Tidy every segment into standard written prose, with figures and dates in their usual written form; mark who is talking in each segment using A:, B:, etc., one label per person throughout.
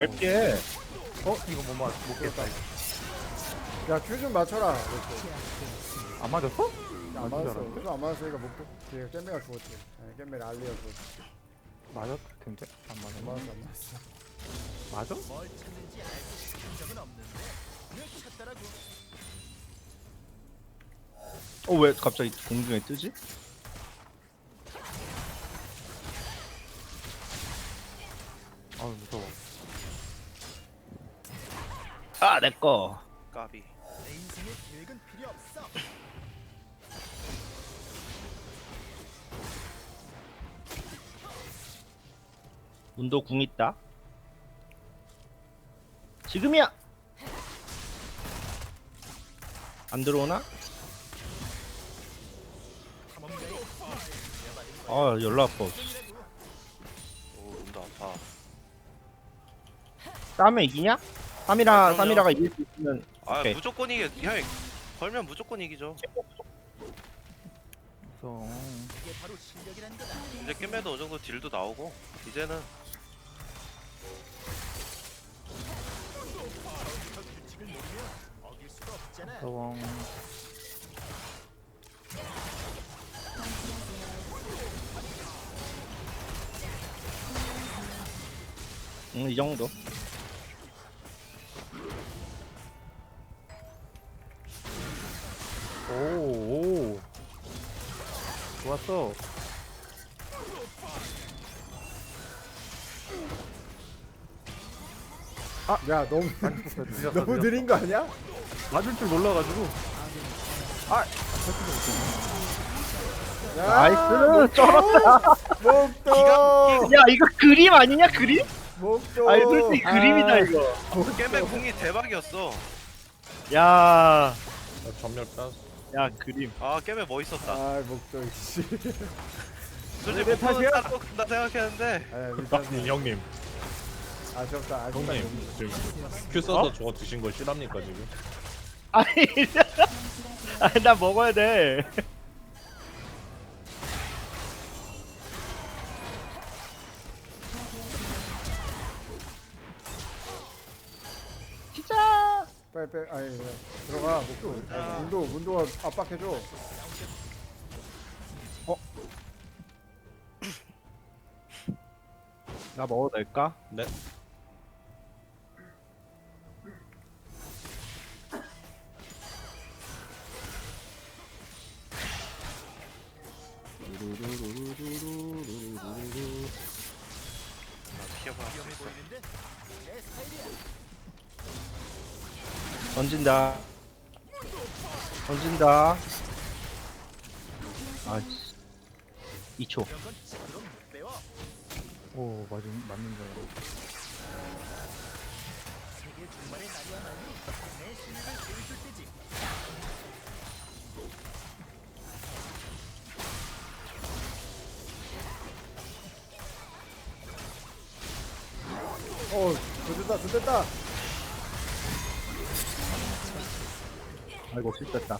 A: 짧게.
B: 이거 못 깼다.
C: 야, 큐 좀 맞춰라.
B: 안 맞았어?
C: 안
B: 맞은 줄
C: 맞았어.
B: 알았는데?
C: 큐 안 맞았으니까 못 걔 깻매가 죽었지. 깻매 알리가 죽었지.
B: 맞았을 텐데? 안
C: 안
B: 맞았나?
C: 맞았어, 안 맞았어.
B: 맞아?
A: 왜 갑자기 공중에 뜨지?
B: 아우 무서워.
A: 아, 내꺼.
D: 까비.
A: 문도 궁 있다. 지금이야. 안 들어오나? 아, 열나 아파.
D: 오, 눈도 아파.
A: 싸움에 이기냐?
D: 아,
A: 3이라,
D: 그럼요.
A: 3이라가 이길 수 있으면.
D: 아,
A: 오케이.
D: 무조건 이겨. 형, 걸면 무조건 이기죠.
B: 무서워.
D: 이제 게임에도 어느 정도 딜도 나오고 이제는
B: 무서워.
A: 이 정도.
B: 오. 좋았어.
C: 야, 너무
B: 늦었어,
C: 너무
B: 늦었어.
C: 느린 거 아니야?
B: 맞을 줄 몰라가지고.
C: 야,
A: 나이스! 쩔었다!
C: 목도.
A: 야, 이거 그림 아니냐, 그림?
C: 목도.
A: 아니, 솔직히 그림이다, 이거.
D: 게임의 궁이 대박이었어.
A: 야,
E: 전멸 땄어.
A: 야, 그림.
D: 아, 게임에 멋있었다.
C: 아, 목도 씨.
D: 솔직히
C: 내
D: 목표는
C: 탓이야?
D: 따로 간다 생각했는데
C: 아, 미쳤네.
E: 형님,
C: 아쉽다.
E: 형님, 지금 큐 써서 저거 드신 거 실합니까 지금?
A: 아니, 아니, 나 먹어야 돼. 진짜.
C: 빨리 아니 그냥 들어가. 목도. 문도가 압박해줘.
A: 나 먹어도 될까?
E: 네.
D: 피어봐.
A: 던진다. 던진다. 아, 2초.
B: 오, 맞는 줄 알았어.
C: 좋됐다.
A: 아이고, 실패했다.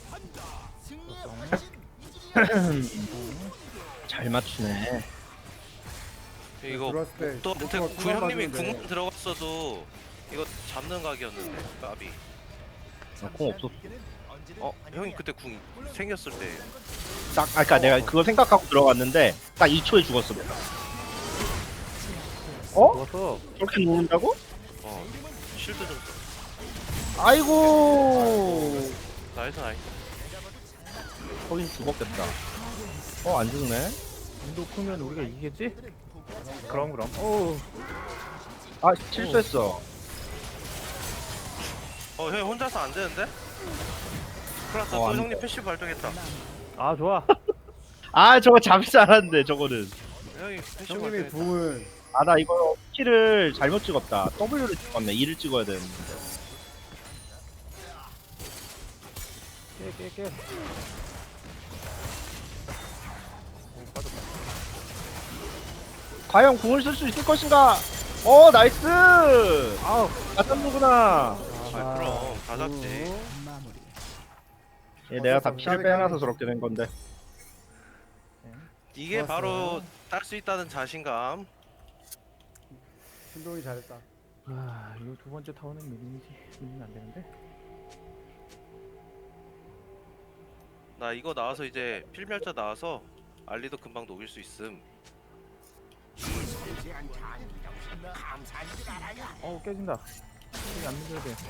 A: 잘 맞추네.
D: 이거
C: 들어왔을 때
D: 목도한테
C: 목도가
D: 구 형님이
C: 맞았는데.
D: 궁 들어갔어도 이거 잡는 각이었는데 까비.
A: 공 없었어.
D: 형이 그때 궁 생겼을 때
A: 딱, 그러니까 내가 그걸 생각하고 들어갔는데 딱 2초에 죽었어.
B: 좋았어.
A: 그렇게 누른다고?
D: 쉴드 좀 써.
A: 아이고.
D: 나이스 나이스.
A: 거긴 죽었겠다. 안 죽네.
B: 인도 크면 우리가 이기겠지? 그럼.
A: 아, 실수했어.
D: 형 혼자서 안 되는데? 플러스 또
A: 안
D: 형님
A: 돼.
D: 패시브 발동했다.
B: 아, 좋아.
A: 아, 저거 잠시 알았는데 저거는.
D: 형이 패시브
C: 형님이
D: 발동했다.
C: 궁은
A: 아, 나 이거 키를 잘못 찍었다. W를 찍었네. 2를 찍어야 되는데.
B: 깨.
A: 과연 궁을 쓸 수 있을 것인가? 나이스! 아우, 맞았는구나.
D: 아 그럼 다 잡지.
A: 내가 다 피를 빼놔서 저렇게 된 건데.
D: 이게
C: 좋았어.
D: 바로 딸 수 있다는 자신감.
C: 신동이 잘했다.
B: 아 이거 두 번째 타워는 밀리면 안 되는데.
D: 나 이거 나와서 이제 필멸자 나와서 알리도 금방 녹일 수 있음.
B: 깨진다. 여기 안 밀려야 돼.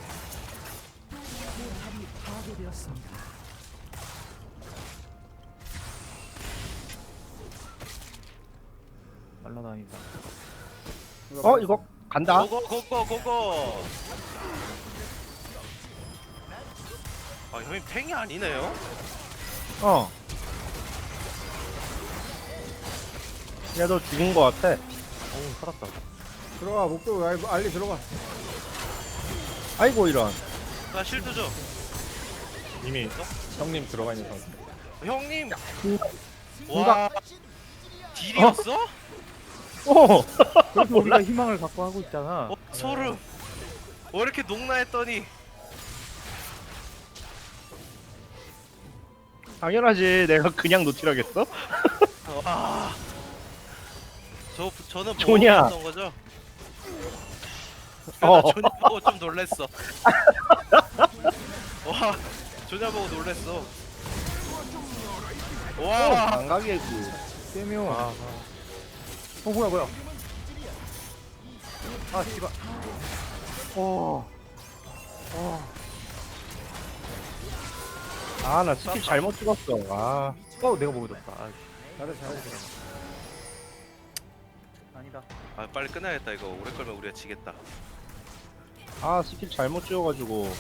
B: 날라다니다.
A: 이거 간다.
D: 고고. 아 형님 팽이 아니네요?
A: 얘도 죽은 거 같아.
B: 어우 살았다.
C: 들어가 목표 알리 들어가.
A: 아이고 이런.
D: 나 실드 줘.
E: 이미 형님 들어가 있는 상태.
D: 형님.
A: 공각.
D: 와. 딜이었어?
A: 오.
B: 그래서 우리가 희망을 갖고 하고 있잖아.
D: 소름. 왜 이렇게 녹나 했더니
A: 당연하지. 내가 그냥 노틸하겠어?
D: 와. 저는
A: 조냐.
D: 보고 거죠? 나 조냐 보고 좀 놀랬어. 와, 조냐 보고 놀랬어. 와,
A: 감각이
B: 깨묘. 뭐야. 아 씨발.
A: 나 스킬 잘못 찍었어.
B: 내가 먹어줬다.
C: 잘해.
B: 아니다.
D: 아 빨리 끝내야겠다 이거. 오래 걸면 우리가 지겠다.
A: 스킬 잘못 찍어가지고.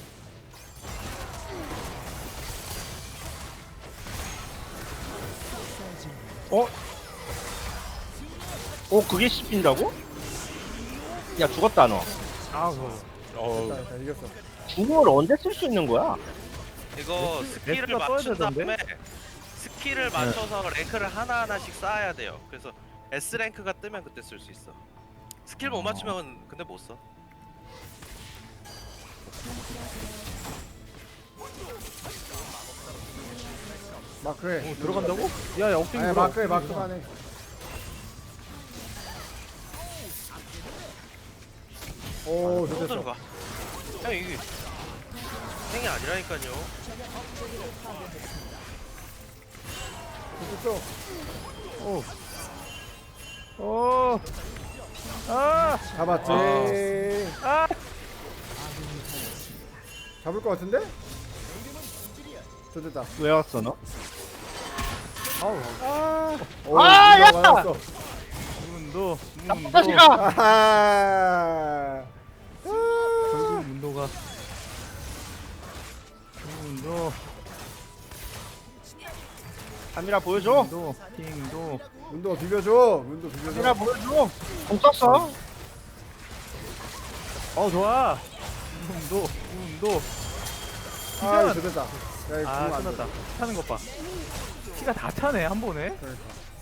A: 그게 씹힌다고? 야, 죽었다, 너.
C: 자, 이겼어.
A: 궁을 언제 쓸 수 있는 거야?
D: 이거 스킬을
B: 렉스가 떠야
D: 맞춘 다음에
B: 되던데?
D: 스킬을 맞춰서 랭크를 하나하나씩 쌓아야 돼요. 그래서 S 랭크가 뜨면 그때 쓸 수 있어. 스킬 못 맞추면 근데 못 써.
C: 마크해.
B: 들어간다고? 야 억제기
C: 아니
B: 들어.
C: 마크만 해. 오
D: 또
C: 됐어.
D: 들어가. 형 이게 행이 아니라니까요.
C: 됐어. 잡았지. 잡을 것 같은데? 됐다.
A: 왜 왔어, 너?
C: 오,
A: 야!
C: 맞았어.
B: 문도.
A: 다시가!
C: 아하.
B: 결국 문도가. 문도.
A: 카미라 보여줘.
B: 문도. 킹도.
C: 문도 비벼줘. 문도 비벼줘.
A: 카미라 보여줘. 공 썼어.
B: 좋아. 문도.
C: 아 됐다. 야 이거
B: 아
C: 안 돼.
B: 끝났다. 차는 것 봐. 피가 다 차네 한 번에.
C: 그러니까.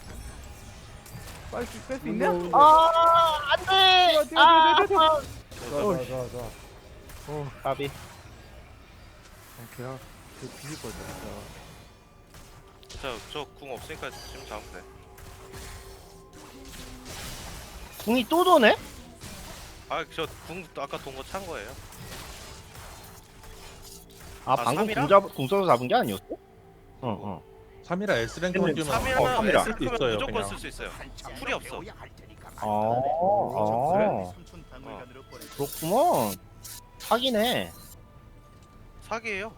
B: 빨리 뺄 수 있냐?
C: 문도.
A: 안 돼!
B: 뛰어.
C: 좋아.
A: 까비.
B: 걔가 뒤질 거야.
D: 저궁 없으니까 지금 잡으면 돼.
A: 궁이 또 도네?
D: 저 궁 아까 돈 거 찬 거예요.
A: 방금
D: 3이라?
A: 궁 써서 잡은 게 아니었어?
E: 3이라 S 랭크만 뛰면
D: 3이라면
A: 삼이라.
D: S 크면
E: 있어요,
D: 무조건
E: 그냥.
D: 쓸 수 있어요. 풀이 없어.
A: 그렇구먼. 사기네.
D: 사기예요.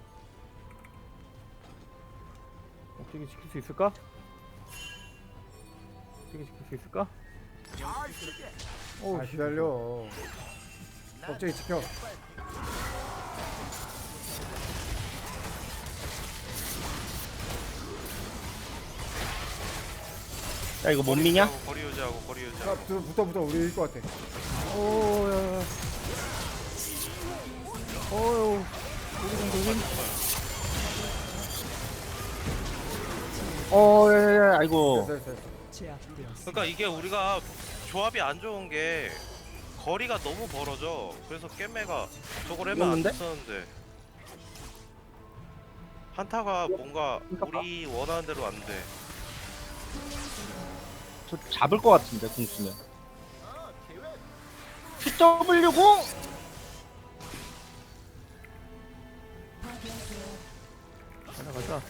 B: 억제기 지킬 수 있을까? 억제기 지킬 수 있을까?
C: 아 기다려. 갑자기 지켜.
A: 야, 이거 못 미냐?
D: 거리 유지하고 거리
C: 자
D: 유지하고.
C: 붙어 우리 이길 것 같아.
B: 오야. 어유.
A: 아이고.
C: 됐어.
D: 그러니까 이게 우리가 조합이 안 좋은 게 거리가 너무 벌어져. 그래서 깻매가 저걸 하면 안
A: 그러는데?
D: 썼는데 한타가 뭔가 우리 원하는 대로 안 돼.
A: 저 잡을 것 같은데, 궁 쓰면. PW0.
B: 가자.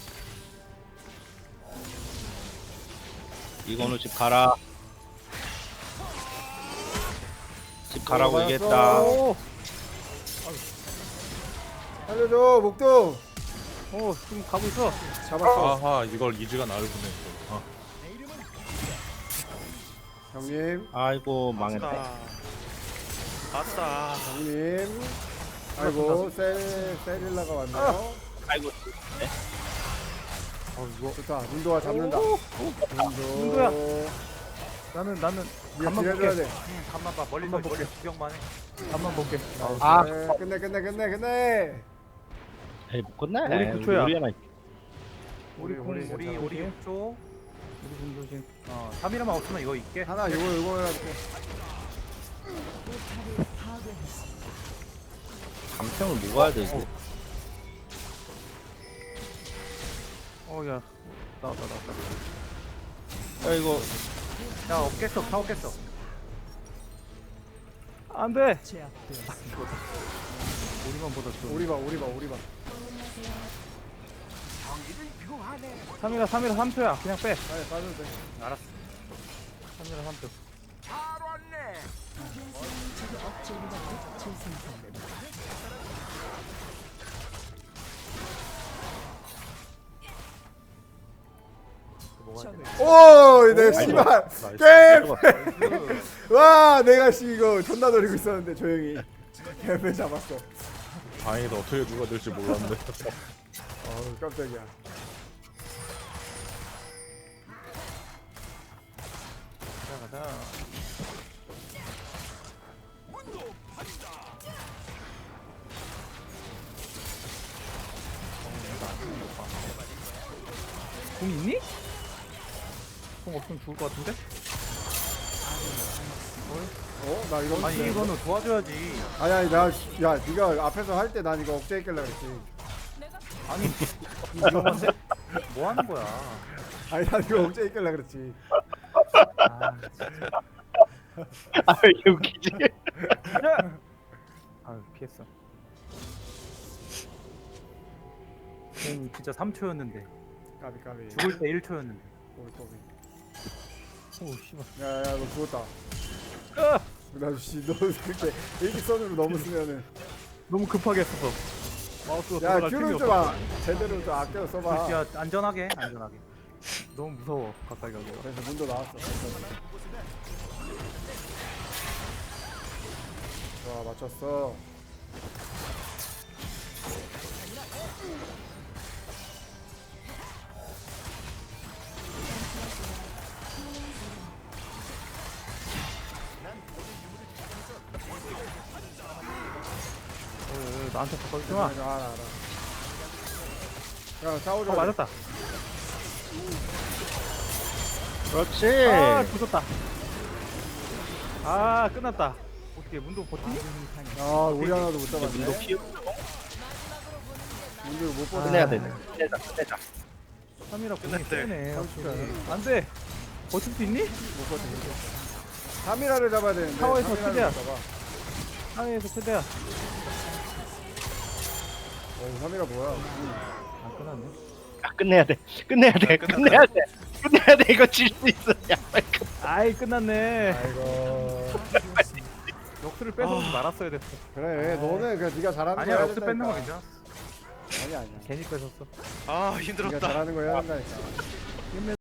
A: 이건우 집 가라. 집 가라고 얘기했다.
C: 오. 살려줘 목도
B: 지금 가고 있어.
C: 잡았어.
E: 아하 이걸 이즈가 나를 보내. 아,
C: 형님
A: 아이고 망했네.
D: 아싸.
C: 형님. 아이고 세릴라가 왔네요.
A: 아이고.
C: 좋다. 문도가 잡는다.
B: 문도야. 나는
C: 네가
B: 간만
C: 딜해줘야
B: 볼게.
C: 돼.
B: 간만 봐. 멀리 구경만 해. 간만 볼게.
A: 아.
C: 네, 끝내.
A: 에이 못 끝내.
B: 우리 구초야.
A: 우리 하나.
B: 우리
C: 우리
B: 우리 6초. 우리 공조심. 3이라만 없으면 이거 있게.
C: 하나 요거 해가지고.
A: 감평을 먹어야 돼 이거.
B: 야. 나왔다.
A: 야 이거
B: 야, 없겠어. 다 없겠어. 안 돼. 우리만 보다 좋아.
C: 우리 봐.
B: 3이라 3초야. 그냥 빼.
C: 아니 빠져도 돼.
B: 알았어. 3이라 3초.
C: 오, 내 씨발
E: 나이스.
C: 게임. 와, 내가 이거 존나 노리고 있었는데 조용히 개패 잡았어.
E: 다행히도 어떻게 누가 될지 몰랐는데.
C: 어우 깜짝이야.
B: 가자. 공 있니? 공 없으면 죽을 것 같은데?
C: 나 이거
B: 아니 이거는 도와줘야지.
C: 아니 야 네가 앞에서 할 때 난 이거 억제했길래 그랬지.
B: 아니 이거 위험한데? 뭐 하는 거야?
C: 아니 난 이거 억제했길래 그랬지.
A: 아 이게 웃기지.
B: 아 피했어. 공 진짜 3초였는데
C: 까비.
B: 죽을 때 1초였는데.
C: 꼬비.
B: 오 씨발.
C: 야야 너 죽었다.
B: 아!
C: 나씨 너 그렇게 일직선으로 너무 쓰면은.
B: 너무 급하게 했어. 마우스가
C: 야
B: 돌아갈 틈이
C: 큐를
B: 없어.
C: 좀 제대로 좀 아껴 써봐.
B: 야 안전하게. 너무 무서워 가까이 가기가.
C: 그래서 문도 나왔어. 좋아 맞췄어.
B: 나한테 가까이 좀 와.
C: 알아. 야 싸우자.
B: 맞았다.
A: 그렇지.
B: 아 죽었다. 아 끝났다. 어떻게 문도 버티니?
C: 아 우리 하나도 못 잡았네.
A: 문도 피우.
C: 문도 못 뻗어.
A: 끝내야 되네. 끝내자.
B: 3이라 공이
D: 끝났대.
B: 세네.
C: 30초.
B: 안돼. 버틸 수 있니?
C: 못 뻗어. 3이라를 잡아야 되는데.
B: 타워에서
C: 3이라를
B: 최대한.
C: 못 잡아.
B: 상해에서 최대한.
C: 3이라 뭐야?
B: 아 끝났네.
A: 아 끝내야 돼. 끝내야 돼. 이거 질 수 있어. 야 빨리 끝.
B: 아이 끝났네.
C: 아이고.
B: 역수를 뺏어오지 말았어야 됐어.
C: 그래 너는 그냥 네가 잘하는 거
B: 아니야
C: 해야
B: 역수 뺏는 거
C: 된다니까.
B: 괜찮아.
C: 아니야.
B: 괜히 뺏었어.
D: 아
C: 네가
D: 힘들었다.
C: 잘하는 거 해야 된다니까.